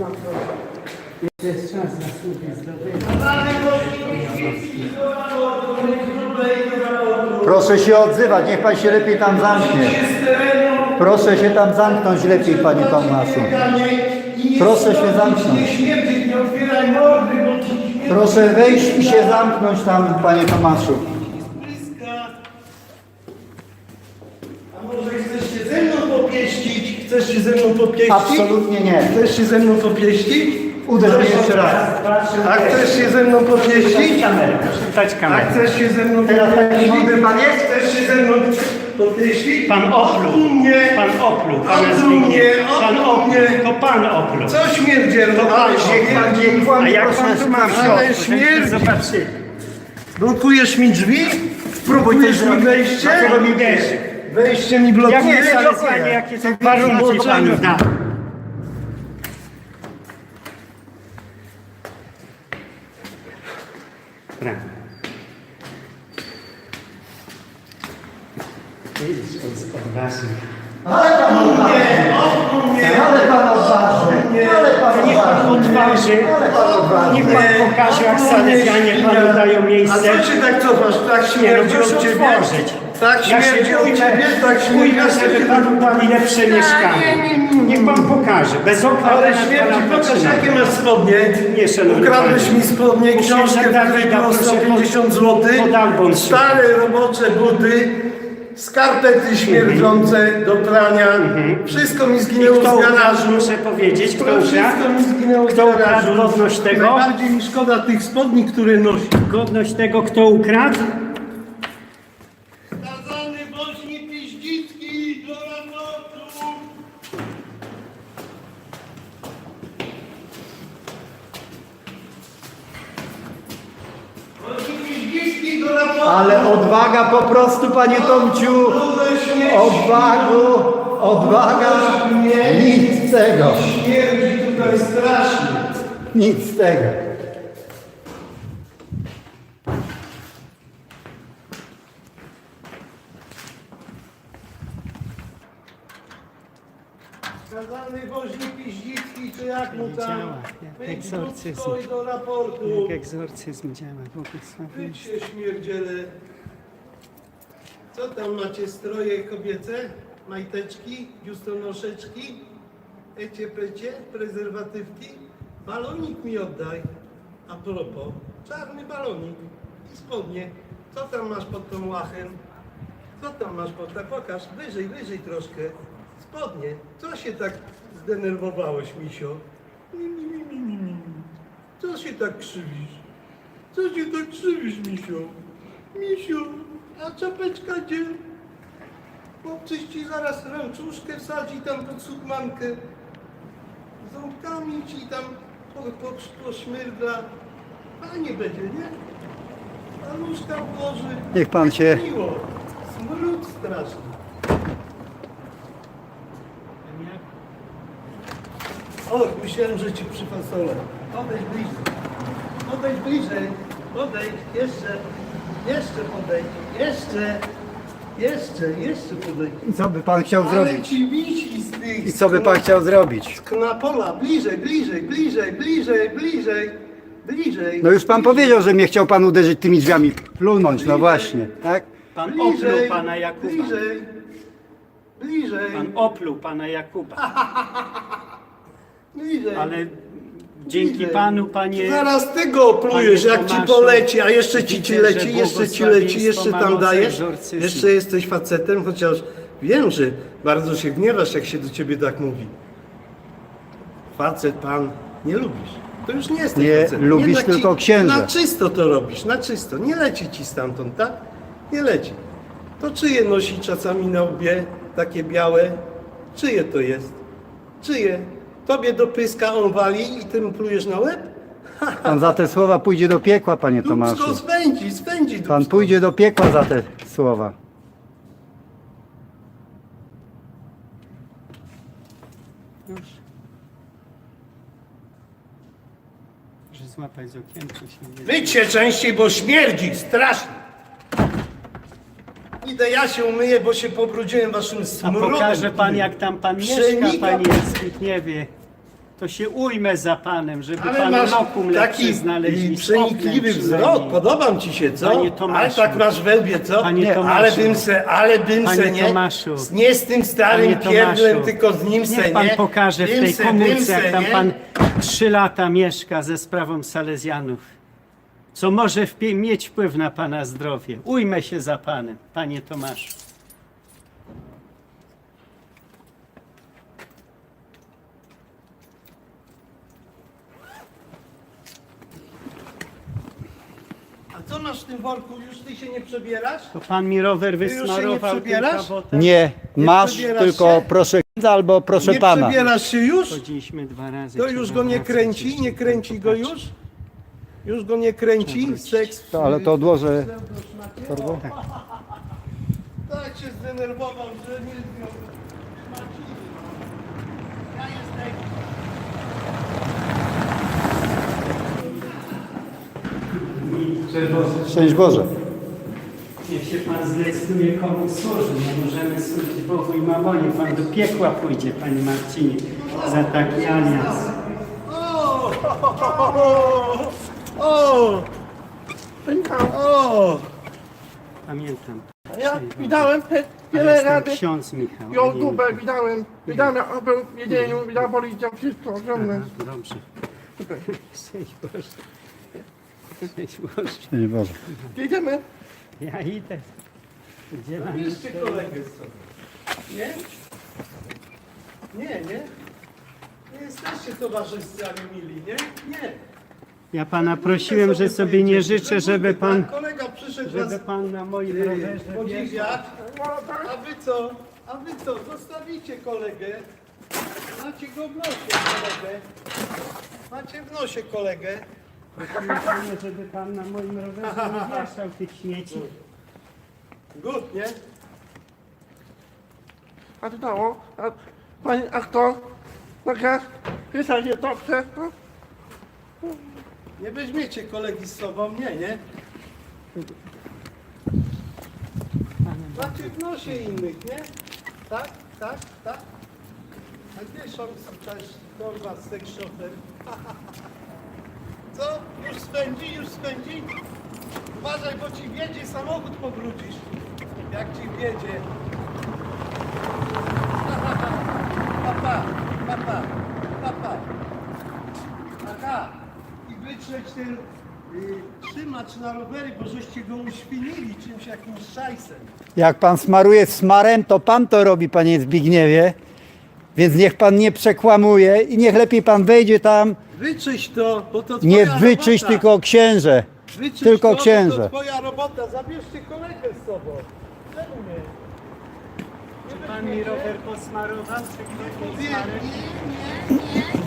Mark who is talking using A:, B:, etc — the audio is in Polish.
A: Jest czas na słupie zdobyć.
B: Proszę się odzywać, niech pan się lepiej tam zamknie. Proszę się tam zamknąć lepiej, panie Tomaszu. Proszę się zamknąć. Proszę wejść i się zamknąć tam, panie Tomaszu.
C: A może chcesz się ze mną popieścić? Chcesz się ze mną popieścić?
B: Absolutnie nie.
C: Chcesz się ze mną popieścić?
B: Uderz mnie jeszcze raz.
C: A chcesz się ze mną popieścić?
A: Dać
C: A
A: kamerę.
C: chcesz się ze mną
B: Teraz taki
C: popieścić?
B: mądry pan jest?
C: Chcesz się ze mną popieścić?
A: Pan opluł. Pan opluł. Pana Zbigniew. Pan opluł. To pan opluł.
C: Co śmierdziel?
A: To pan
B: Niech pan
A: opluł.
B: nie kłamie,
A: A jak
B: proszę
A: pan tu ma w
B: pana.
C: Ale
A: środku?
C: śmierdzi.
A: Zobaczcie.
C: Blokujesz mi drzwi? Blokujesz mi wejście?
A: Dlaczego mi wierzy?
C: Wejście mi
A: Ja
C: blokujesz?
A: wiem dokładnie jakie są warunki panu da. Widzisz, to jest odważny.
B: Ale pan odważny. Ale pan odważny. Ale pan
A: Niech pan
B: odważny.
A: odważy,
B: Ale pan odważny.
A: niech pan pokaże, jak salezjanie panu dają
C: A
A: miejsce.
C: co się tak cofasz? Tak
A: Nie, no
C: śmierdzi
A: proszę
C: od ciebie?
A: otworzyć.
C: Tak
A: Ja się
C: śmierdzi od ciebie? Tak śmierdzi
A: pójdę,
C: od
A: żeby
C: ciebie?
A: panu dali lepsze mieszkanie. Niech pan pokaże, bez okna.
C: Ale
A: na
C: śmierdzi,
A: pana
C: pokaż
A: patrzyna.
C: jakie masz spodnie.
A: Nie, szanowny
C: Ukradłeś
A: panie.
C: mi spodnie, książkę,
A: Książek Dawida,
C: której było
A: proszę,
C: 150 zł,
A: pod album
C: stare robocze buty, skarpety śmierdzące do prania, wszystko mi
A: I
C: zginęło
A: kto
C: z
A: ukradł,
C: garażu.
A: muszę powiedzieć, kto
C: Wszystko
A: ukradł?
C: mi zginęło z
A: Kto ukradł
C: garażu.
A: godność tego?
C: Najbardziej mi szkoda tych spodni, które nosi.
A: Godność tego, kto ukradł?
C: Skazany Bośni Piździcki do raportu. Bośni Piździcki do raportu.
B: Ale odwaga po prostu, panie Tomciu. Odwaga. Nic z tego.
C: Śmierdzi tutaj strasznie.
B: Nic z tego.
C: Skazany Bośni Piździcki, czy jak mu tam?
A: Działa, jak
C: Wyjdź
A: egzorcyzm.
C: krótko i do raportu.
A: Jak egzorcyzm działa,
C: Wyjdź się śmierdziele. Co tam macie, stroje kobiece? Majteczki, biustonoszeczki? Ecie pecie, prezerwatywki? Balonik mi oddaj. A propos, czarny balonik i spodnie. Co tam masz pod tą łachem? Co tam masz pod tak? Pokaż, wyżej troszkę. Spodnie. Co się tak zdenerwowałeś, misio? Co się tak krzywisz? Co się tak krzywisz, misio? Misio, a czapeczka gdzie? Chłopcyś ci zaraz ręczuszkę wsadzi tam pod sukmankę. Ząbkami ci tam poszmyrda. Fajnie będzie, nie? Paluszka włoży.
B: Niech pan się...
C: Miło. Smród straszny. Och, myślałem, że ci przyfasolę. Podejdź bliżej. Podejdź bliżej. Podejdź. Jeszcze podejdź. Jeszcze podejdź.
B: I co by pan chciał
C: Ale
B: zrobić?
C: ci wisi z tych...
B: I co by pan chciał zrobić?
C: Z knapola. Bliżej.
B: No już pan powiedział, że mnie chciał pan uderzyć tymi drzwiami. Plunąć, no właśnie, tak?
A: Pan opluł pana Jakuba.
C: Bliżej.
A: Pan opluł pana Jakuba.
C: Bliżej.
A: Ale dzięki
C: Bliżej.
A: panu, panie...
C: Zaraz tego oplujesz,
A: Panie
C: jak ci
A: Tomaszu,
C: poleci, a jeszcze ci
A: widzę,
C: leci,
A: że
C: jeszcze ci leci,
A: błogosławieństwo
C: jeszcze
A: ma
C: tam
A: moce
C: dajesz.
A: egzorcyzmu.
C: Jeszcze jesteś facetem, chociaż wiem, że bardzo się gniewasz, jak się do ciebie tak mówi. Facet pan nie lubisz. To już nie jesteś
B: Nie
C: facetem.
B: lubisz
C: Jednak
B: tylko księdza.
C: Na czysto to robisz, na czysto. Nie leci ci stamtąd, tak? Nie leci. To czyje nosi czasami na łbie, takie białe? Czyje to jest? Czyje? Tobie do pyska on wali i ty mu plujesz na łeb?
B: Pan za te słowa pójdzie do piekła, panie Tomaszu.
C: Dubsko spędzi dubsko.
B: Pan pójdzie do piekła za te słowa.
A: Już. Że złapać z okienka się nie...
C: Myć się częściej, bo śmierdzi, strasznie. Idę, ja się umyję, bo się pobrudziłem waszym
A: A
C: smrodem.
A: pokaże pan, jak tam pan mieszka,
C: Przenika
A: panie
C: pan.
A: Zbigniewie. to się ujmę za panem, żeby
C: Ale
A: pan
C: masz
A: lokum lepszy
C: taki
A: znaleźli. z
C: przenikliwy
A: oknem
C: wzrok,
A: przynajmniej.
C: podoba ci się, co?
A: Panie Tomaszu.
C: Ale tak masz we łbie, co?
A: Panie
C: Nie,
A: Tomaszu.
C: ale bym se,
A: Panie
C: nie?
A: Tomaszu.
C: Nie z tym starym
A: Panie Tomaszu,
C: pierdlem, tylko z nim se,
A: niech pan
C: nie?
A: pokaże w
C: Tym
A: tej
C: se,
A: komórce,
C: tym se,
A: jak tam
C: nie?
A: pan 3 lata mieszka ze sprawą Salezjanów. Co może mieć wpływ na pana zdrowie. Ujmę się za panem, panie Tomaszu.
C: A co masz w tym worku? Już ty się nie przebierasz?
A: To pan mi rower
C: już się nie
A: wysmarował tym
C: przebierasz?
A: kawotem?
B: Nie, masz
C: przebierasz
B: tylko
C: się?
B: proszę księdza albo proszę
C: Nie
B: pana.
C: przebierasz się już?
A: Chodziliśmy 2 razy.
C: To
A: trzeba
C: już go nie
A: wracać
C: kręci?
A: jeszcze.
C: Nie kręci go już? Już go nie kręci? Seks?
B: To, ale to odłożę torbę.
C: Tak się zdenerwował, że nie zdjął. Ja jestem.
B: Szczęść Boże.
A: Niech się pan zdecyduje, komu służy. Nie możemy służyć Bogu i mamonie. Pan do piekła pójdzie, panie Marcinie, za taki alians.
C: O! O!
A: Pamiętam.
D: Ja widziałem
A: Ale
D: wiele
A: jestem
D: razy
A: ksiądz Michał. a nie
D: YouTubę,
A: Michał.
D: widziałem jak był w jedzeniu, widziałem policja, wszystko ogromne.
A: Aha, dobrze. Szczęść Boże. Szczęść Boże.
B: Szczęść Boże.
D: Jedziemy.
A: Ja idę. Gdzie mam
C: Bierzcie kolegę z sobą. Nie? Nie, nie? Nie jesteście towarzystwami mili, nie? Nie.
A: Ja pana prosiłem, że sobie nie życzę, żeby pan,
C: Kolega przyszedł
A: żeby
C: was
A: pan na moim rowerze wjechał.
C: podziwiać. A wy co? A wy co? Zostawicie kolegę. Macie go w nosie kolegę. Macie w nosie kolegę.
A: Prosimy pana, żeby pan na moim rowerze nie wieszał tych śmieci.
C: Good, nie?
D: A to dało? A kto? Taka pisać nie dobrze?
C: Nie weźmiecie kolegi z sobą, nie? Macie w nosie innych, nie? Tak? A gdzie są też kurwa seks szofer? Co? Już spędzi? Uważaj, bo ci wjedzie samochód pobrudzisz. Jak ci wjedzie. Papa. Aha. I wytrzeć ten trzymacz na rowery, bo żeście go uświnili czymś jakimś szajsem.
B: Jak pan smaruje smarem, to pan to robi, panie Zbigniewie. Więc niech pan nie przekłamuje i niech lepiej pan wejdzie tam.
C: Wyczyść to, bo to
B: Nie
C: twoja
B: wyczyść,
C: robota.
B: tylko księże.
C: Wyczyść
B: tylko
C: to,
B: księże.
C: Bo to twoja robota. Zabierzcie kolegę z sobą. Czemu nie?
A: Czy pan mi rower posmarował, czy ktoś mi
C: Nie,
A: smarem?
C: nie.